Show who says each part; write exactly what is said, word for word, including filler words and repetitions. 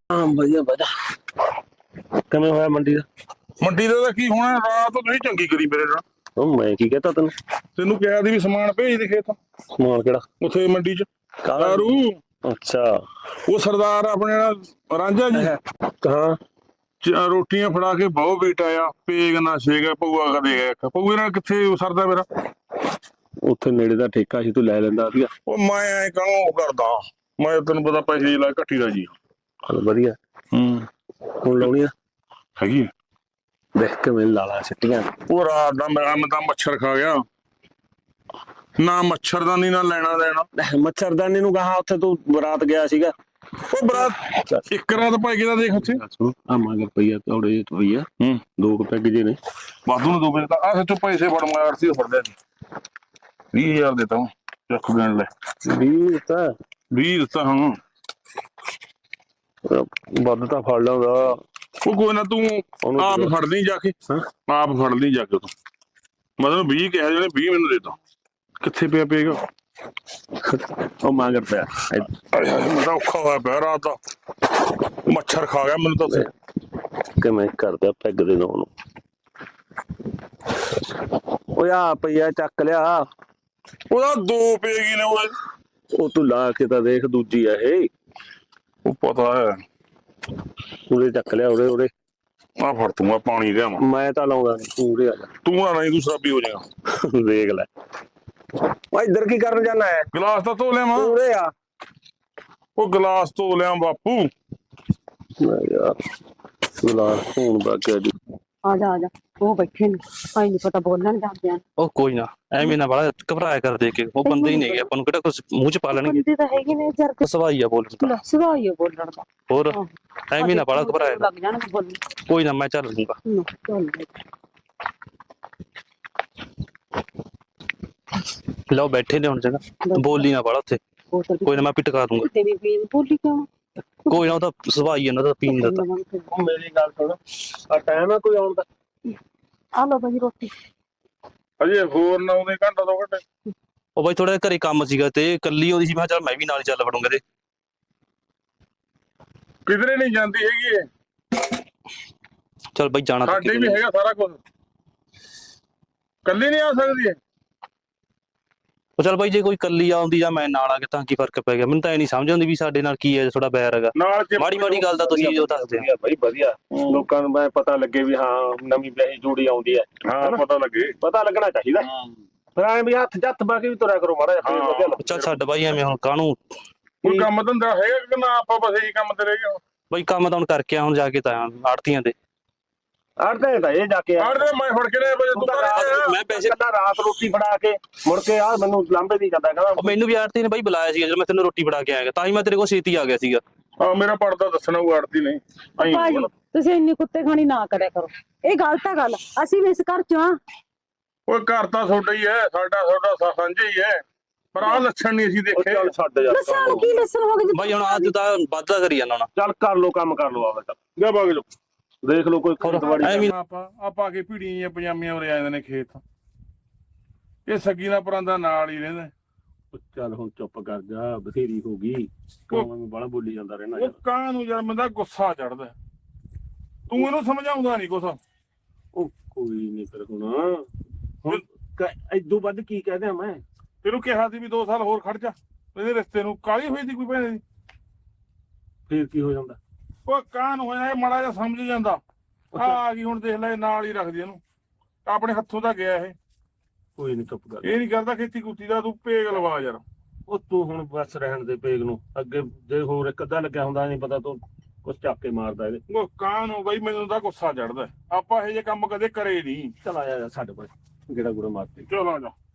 Speaker 1: ਹਾਂ ਵਧੀਆ ਵਧੀਆ। ਕਿਵੇਂ ਹੋਇਆ ਮੰਡੀ ਦਾ?
Speaker 2: ਮੰਡੀ ਦਾ ਤਾਂ ਕੀ ਹੋਣਾ, ਰਾਤ ਤੁਸੀਂ ਚੰਗੀ ਕਰੀ ਮੇਰੇ ਨਾਲ।
Speaker 1: ਉਹ ਮੈਂ ਕੀ ਕਹਤਾ ਤੈਨੂੰ?
Speaker 2: ਤੈਨੂੰ ਕਿਹਾ ਸੀ ਵੀ ਸਮਾਨ ਭੇਜ ਦੇ ਖੇਤ।
Speaker 1: ਸਮਾਨ ਕਿਹੜਾ?
Speaker 2: ਉੱਥੇ ਮੰਡੀ ਚ
Speaker 1: ਕਾਹਦਾ?
Speaker 2: ਦਾਰੂ।
Speaker 1: ਅੱਛਾ।
Speaker 2: ਉਹ ਸਰਦਾਰ ਆਪਣੇ ਨਾਲ ਰਾਂਝਾ ਜੀ
Speaker 1: ਹਾਂ
Speaker 2: ਚ- ਰੋਟੀਆਂ ਫੜਾ ਕੇ ਬਹੁ ਬੇਟਾ ਆ, ਪੇਗ ਨਾ ਛੇਗ ਪਊਆ ਕਦੇ ਗਿਆ ਪਊਏ ਨਾਲ ਕਿੱਥੇ ਸਰਦਾ ਮੇਰਾ।
Speaker 1: ਉੱਥੇ ਨੇੜੇ ਦਾ ਠੇਕਾ ਸੀ, ਤੂੰ ਲੈ ਲੈਂਦਾ ਸੀਗਾ।
Speaker 2: ਉਹ ਮੈਂ ਐ ਕਾਹਨੂੰ ਕਰਦਾ, ਮੈਂ ਤੈਨੂੰ ਪਤਾ ਪੈਸੇ ਲਾ ਘੱਟੀ ਦਾ ਜੀ।
Speaker 1: ਚਲ ਵਧੀਆ।
Speaker 2: ਹੂੰ
Speaker 1: ਹੁਣ ਲਾਉਣੀ ਆ?
Speaker 2: ਹੈਗੀ
Speaker 1: ਦੇਖ ਕਿਵੇਂ ਲਾਲਾ ਸਿੱਟੀਆਂ।
Speaker 2: ਉਹ ਰਾਤ ਦਾ ਮੈਂ ਮੈਂ ਤਾਂ ਮੱਛਰ ਖਾ ਗਿਆ, ਨਾ ਮੱਛਰਦਾਨੀ ਨਾ ਲੈਣਾ ਦੇਣਾ।
Speaker 1: ਮੱਛਰਦਾਨੀ ਨੂੰ ਕਹਾ, ਉੱਥੇ ਤੂੰ ਬਰਾਤ ਗਿਆ ਸੀਗਾ।
Speaker 2: ਉਹ ਬਰਾਤ ਇੱਕ ਰਾਤ ਭਾਈ ਕਿਹਦਾ ਦੇਖ ਉੱਥੇ
Speaker 1: ਆ ਮਗਰ ਪਈਆ ਥੋੜੇ ਜਿਹੇ ਪਈਆ।
Speaker 2: ਹੂੰ
Speaker 1: ਦੋ ਕੁ ਪੈਗ ਜੇ ਨੇ
Speaker 2: ਵਾਧੂ ਨੂੰ ਦੋ ਵਜੇ ਤਾਂ ਆ ਸੱਚੋ ਪੈਸੇ ਫੜ ਮਾਰ ਸੀ ਫੜ ਲਿਆ ਸੀ। ਵੀਹ ਹਜ਼ਾਰ ਦੇਤਾ ਹੂੰ, ਚੱਕ ਗਿਣ ਲੈ।
Speaker 1: ਵੀਹ ਤਾਂ
Speaker 2: ਵੀਹ ਦਿੱਤਾ ਹਾਂ।
Speaker 1: ਵੱਧ ਤਾਂ ਫੜ ਲਾਉਂਦਾ।
Speaker 2: ਉਹ ਕੋਈ ਨਾ, ਤੂੰ ਆਪ ਫੜ ਲਈ ਜਾ ਕੇ, ਆਪ ਫੜ ਲਈ ਜਾ ਕੇ ਤੂੰ। ਮਤਲਬ ਵੀਹ ਕਿਹਾ ਜਿਹਨੇ ਵੀਹ ਮੈਨੂੰ ਦੇ ਤਾ। ਕਿੱਥੇ ਪਿਆ ਪਏਗਾ?
Speaker 1: ਉਹ ਮਗਰ ਪਿਆ।
Speaker 2: ਮੈਂ ਤਾਂ ਔਖਾ ਹੋਇਆ ਪਿਆ ਰਾਤ ਦਾ, ਮੱਛਰ ਖਾ ਗਿਆ ਮੈਨੂੰ ਤਾਂ।
Speaker 1: ਕਿਵੇਂ ਕਰਦਾ ਪੈਗ ਦੇ ਨਾਲ ਨੂੰ? ਓਏ ਆ ਪਈਆ ਚੱਕ ਲਿਆ।
Speaker 2: ਉਹਦਾ ਦੋ ਪਏਗੀ ਨੇ ਉਹ।
Speaker 1: ਉਹ ਤੂੰ ਲਾ ਕੇ ਤਾਂ ਦੇਖ, ਦੂਜੀ ਆ ਇਹ।
Speaker 2: ਉਹ ਪਤਾ ਹੈ।
Speaker 1: ਉਹਦੇ ਚੱਕ ਲਿਆ ਉਰੇ ਉਰੇ।
Speaker 2: ਆ ਫੜ ਤੂੰ, ਆ ਪਾਣੀ ਲਿਆਵਾਂ।
Speaker 1: ਮੈਂ ਤਾਂ ਲਾਉਂਦਾ ਨੀ, ਤੂੰ ਉਰੇ ਆ ਜਾ।
Speaker 2: ਤੂੰ ਨਾ ਨਹੀਂ, ਤੂੰ ਸ਼ਰਾਬੀ ਹੋ ਜਾਏਗਾ।
Speaker 1: ਦੇਖ ਲੈ। ਓ ਇੱਧਰ ਕੀ ਕਰਨ ਜਾਣਾ ਹੈ?
Speaker 2: ਗਲਾਸ ਤਾਂ ਧੋ ਲਿਆਵਾਂ।
Speaker 1: ਉਰੇ ਆ।
Speaker 2: ਉਹ ਗਲਾਸ ਧੋ ਲਿਆ ਬਾਪੂ।
Speaker 1: ਯਾਰ ਗਲਾਸ ਧੋਣ ਬਾਕੀ ਅੱਜ।
Speaker 3: ਆ ਜਾ ਆ ਜਾ, ਉਹ ਬੈਠੇ ਨੇ, ਭਾਈ ਨਹੀਂ ਪਤਾ ਬੋਲਣ ਜਾਂਦੇ ਆ।
Speaker 4: ਉਹ ਕੋਈ ਨਾ, ਐਵੇਂ ਨਾ ਬੜਾ ਘਬਰਾਇਆ ਕਰ ਦੇ ਕੇ। ਉਹ ਬੰਦੇ ਹੀ ਨਹੀਂ ਹੈਗੇ, ਆਪਾਂ ਨੂੰ ਕਿਹੜਾ ਕੁਝ ਮੂੰਹ ਚ ਪਾ ਲੈਣਗੇ।
Speaker 3: ਬੰਦੇ ਤਾਂ ਹੈਗੇ ਨੇ ਯਾਰ,
Speaker 4: ਸਵਾਈ ਆ ਬੋਲਣ ਦਾ।
Speaker 3: ਸੁਭਾਅ ਹੀ ਆ ਬੋਲਣ ਦਾ।
Speaker 4: ਹੋਰ ਐਵੇਂ ਨਾ ਬੜਾ ਘਬਰਾਇਆ ਕਰ।
Speaker 3: ਲੱਗ ਜਾਣਗੇ ਬੋਲਣ।
Speaker 4: ਕੋਈ ਨਾ, ਮੈਂ ਚੱਲ ਲੂੰਗਾ। ਲਓ ਬੈਠੇ ਨੇ ਹੁਣ ਜਗ੍ਹਾ, ਬੋਲੀ ਨਾ ਬੜਾ ਉੱਥੇ। ਕੋਈ ਨਾ, ਮੈਂ ਪਿੱਟ ਕਰ ਦੂੰਗਾ।
Speaker 3: ਤੇਰੀ ਬੀਨ ਬੋਲੀ ਕਿਉਂ?
Speaker 4: ਕੋਈ ਨਾ, ਉਹ ਤਾਂ ਸਵਾਈ ਇਹਨਾਂ ਦਾ ਪੀਣ ਦਾ।
Speaker 1: ਉਹ ਮੇਰੀ ਗੱਲ ਸੁਣ, ਆ ਟਾਈਮ ਆ ਕੋਈ ਆਉਣ ਦਾ?
Speaker 3: ਆ ਲਓ ਭਾਜੀ ਰੋਟੀ।
Speaker 2: ਅਜੇ ਹੋਰ ਨਾ ਉਹਦੇ ਘੰਟਾ ਦੋ ਘੰਟੇ।
Speaker 4: ਉਹ ਬਾਈ ਥੋੜਾ ਘਰੇ ਕੰਮ ਸੀਗਾ ਤੇ ਕੱਲੀ ਆਉਂਦੀ ਸੀ, ਮੈਂ ਕਿਹਾ ਚੱਲ ਮੈਂ ਵੀ ਨਾਲ ਹੀ ਚੱਲ ਵੜੂੰਗਾ। ਤੇ
Speaker 2: ਕਿਧਰੇ ਨਹੀਂ ਜਾਂਦੀ ਹੈਗੀ ਇਹ।
Speaker 4: ਚੱਲ ਬਾਈ ਜਾਣਾ ਤਾਂ
Speaker 2: ਸਾਡੇ ਵੀ ਹੈਗਾ ਸਾਰਾ ਕੁਝ, ਕੱਲੀ ਨਹੀਂ ਆ ਸਕਦੀ ਇਹ।
Speaker 4: ਉਹ ਚੱਲ ਬਾਈ, ਜੇ ਕੋਈ ਕੱਲੀ ਆਉਂਦੀ ਜਾਂ ਮੈਂ ਨਾਲ ਆ ਕੇ ਤਾਂ ਕੀ ਫਰਕ ਪੈ ਗਿਆ? ਮੈਨੂੰ ਤਾਂ ਇਹ ਨਹੀਂ ਸਮਝ ਆਉਂਦੀ ਵੀ ਸਾਡੇ ਨਾਲ ਕੀ ਹੈ, ਥੋੜਾ ਬੈਰ ਹੈਗਾ। ਮਾੜੀ ਮਾੜੀ ਗੱਲ ਦਾ ਤੁਸੀਂ ਜੋ ਦੱਸਦੇ ਆ
Speaker 1: ਬਾਈ ਵਧੀਆ, ਲੋਕਾਂ ਨੂੰ ਮੈਂ ਪਤਾ ਲੱਗੇ ਵੀ ਹਾਂ ਨਵੀਂ ਵਿਆਹੀ ਜੋੜੀ ਆਉਂਦੀ ਹੈ।
Speaker 2: ਹਾਂ ਪਤਾ ਲੱਗੇ,
Speaker 1: ਪਤਾ ਲੱਗਣਾ ਚਾਹੀਦਾ। ਫਿਰ ਐਂ ਵੀ ਹੱਥ ਜੱਥ ਪਾ ਕੇ ਵੀ ਤੁਰਿਆ ਕਰੋ ਮਾੜਾ ਜਿਹਾ, ਵਧੀਆ ਲੱਗਦਾ।
Speaker 4: ਚੱਲ ਛੱਡ ਬਾਈ, ਐਵੇਂ ਹੁਣ ਕਾਹਨੂੰ।
Speaker 2: ਕੋਈ ਕੰਮ ਧੰਦਾ ਹੈਗਾ ਕਿ ਨਾ? ਆਪਾਂ ਬਸ ਇਹੀ ਕੰਮ ਤੇ ਰਹਿ ਗਏ।
Speaker 4: ਬਾਈ ਕੰਮ ਤਾਂ ਹੁਣ ਕਰਕੇ ਆ, ਹੁਣ ਜਾ ਕੇ ਤਾਂ ਆੜਤੀਆਂ ਤੇ
Speaker 1: ਆੜਦੇ ਤਾਂ ਇਹ ਜਾ ਕੇ
Speaker 2: ਆੜਦੇ ਮੈਂ ਫੜ ਕੇ ਲੈ ਵਜੇ ਤੂੰ
Speaker 4: ਮੈਂ ਪੈਸੇ
Speaker 1: ਰਾਤ ਰੋਟੀ ਫੜਾ ਕੇ ਮੁੜ ਕੇ ਆ ਮੈਨੂੰ ਲਾਂਬੇ ਦੀ ਜਾਂਦਾ ਕਹਿੰਦਾ।
Speaker 4: ਮੈਨੂੰ ਵੀ ਆੜਤੀ ਨੇ ਬਾਈ ਬੁਲਾਇਆ ਸੀਗਾ, ਜਦੋਂ ਮੈਂ ਤੈਨੂੰ ਰੋਟੀ ਫੜਾ ਕੇ ਆਇਆ, ਤਾਂ ਹੀ ਮੈਂ ਤੇਰੇ ਕੋਲ ਛੇਤੀ ਆ ਗਿਆ ਸੀਗਾ।
Speaker 2: ਹਾਂ ਮੇਰਾ ਪੜਦਾ ਦੱਸਣਾ, ਉਹ ਆੜਦੀ ਨਹੀਂ।
Speaker 3: ਭਾਜੀ ਤੁਸੀਂ ਇੰਨੀ ਕੁੱਤੇ ਖਾਣੀ ਨਾ ਕਰਿਆ ਕਰੋ, ਇਹ ਗਲਤ ਆ ਗੱਲ। ਅਸੀਂ ਵੀ ਇਸ ਘਰ ਚ ਆ।
Speaker 2: ਉਹ ਘਰ ਤਾਂ ਤੁਹਾਡਾ ਹੀ ਹੈ, ਸਾਡਾ ਤੁਹਾਡਾ ਸਾਂਝਾ ਹੀ ਹੈ, ਪਰ ਆਹ ਲੱਛਣ ਨਹੀਂ ਅਸੀਂ ਦੇਖੇ।
Speaker 1: ਚੱਲ ਛੱਡ ਜਾ
Speaker 3: ਲੱਸਣ ਕੀ ਲੱਸਣ ਹੋ ਗਏ
Speaker 4: ਬਾਈ ਹੁਣ ਅੱਜ ਤਾਂ ਵਾਧਾ ਕਰੀ ਜਾਂਦਾ ਹੁਣ।
Speaker 1: ਚੱਲ ਕਰ ਲੋ ਕੰਮ, ਕਰ ਲੋ ਆਵੇ।
Speaker 2: ਜਾ ਬਾਗ ਜੋ
Speaker 1: ਦੇਖ ਲੋ ਕੋਈ ਖੇਤਵਾੜੀ।
Speaker 2: ਆਪਾਂ ਆਪਾਂ ਕੇ ਭੀੜੀਆਂ ਪਜਾਮੀਆਂ ਉਰੇ ਆ ਜਾਂਦੇ ਨੇ ਖੇਤ। ਇਹ ਸੱਗੀ ਦਾ ਪਰਾਂਦਾ ਨਾਲ ਹੀ ਰਹਿੰਦਾ।
Speaker 1: ਚੱਲ ਹੁਣ ਚੁੱਪ ਕਰ ਜਾ, ਬਥੇਰੀ ਹੋ ਗਈ। ਕਿਉਂ ਬਾਲਾ ਬੋਲੀ ਜਾਂਦਾ ਰਹਿਣਾ?
Speaker 2: ਉਹ ਕਾਂ ਨੂੰ ਯਾਰ ਬੰਦਾ ਗੁੱਸਾ ਚੜਦਾ, ਤੂੰ ਇਹਨੂੰ ਸਮਝਾਉਂਦਾ ਨਹੀਂ ਕੁਛ।
Speaker 1: ਉਹ ਕੋਈ ਨਹੀਂ, ਫਿਰ ਹੁਣ ਹੁਣ ਇਦੋਂ ਵੱਧ ਕੀ ਕਹਿ ਦਿਆਂ ਮੈਂ?
Speaker 2: ਤੈਨੂੰ ਕਿਹਾ ਸੀ ਵੀ ਦੋ ਸਾਲ ਹੋਰ ਖੜ ਜਾ, ਇਹਦੇ ਰਿਸ਼ਤੇ ਨੂੰ ਕਾਹਲੀ ਹੋਈ ਸੀ ਕੋਈ ਭੈਣੇ ਦੀ।
Speaker 1: ਫੇਰ ਕੀ ਹੋ ਜਾਂਦਾ?
Speaker 2: ਉਹ ਕਾਂ ਨੂੰ ਹੋਇਆ ਮਾੜਾ ਜਿਹਾ ਸਮਝ ਜਾਂਦਾ। ਆ ਗਈ ਹੁਣ ਦੇਖ ਲੈ, ਨਾਲ ਹੀ ਰੱਖਦੀ ਇਹਨੂੰ, ਆਪਣੇ ਹੱਥੋਂ ਤਾਂ ਗਿਆ ਇਹ।
Speaker 1: ਕੋਈ ਨਹੀਂ ਚੁੱਪ ਕਰ,
Speaker 2: ਇਹ ਨਹੀਂ ਕਰਦਾ ਖੇਤੀ ਕੁੱਤੀ ਦਾ। ਤੂੰ ਭੇਗ ਲਵਾ ਯਾਰ।
Speaker 1: ਉਹ ਤੂੰ ਹੁਣ ਬਸ ਰਹਿਣ ਦੇ ਪੇਗ ਨੂੰ। ਅੱਗੇ ਜੇ ਹੋਰ ਇੱਕ ਅੱਧਾ ਲੱਗਿਆ ਹੁੰਦਾ ਨਹੀਂ ਪਤਾ, ਤੂੰ ਕੁਛ ਚੱਕ ਕੇ ਮਾਰਦਾ ਇਹਦੇ।
Speaker 2: ਉਹ ਕਾਂ ਨੂੰ ਬਈ ਮੈਨੂੰ ਤਾਂ ਗੁੱਸਾ ਚੜਦਾ, ਆਪਾਂ ਇਹ ਜੇ ਕੰਮ ਕਦੇ ਕਰੇ ਨਹੀਂ।
Speaker 1: ਚਲ ਆਇਆ ਸਾਡੇ ਕੋਲ, ਗੇੜਾ ਗੂੜਾ ਮਾਰਦੇ।
Speaker 2: ਚਲ ਆ ਜਾ।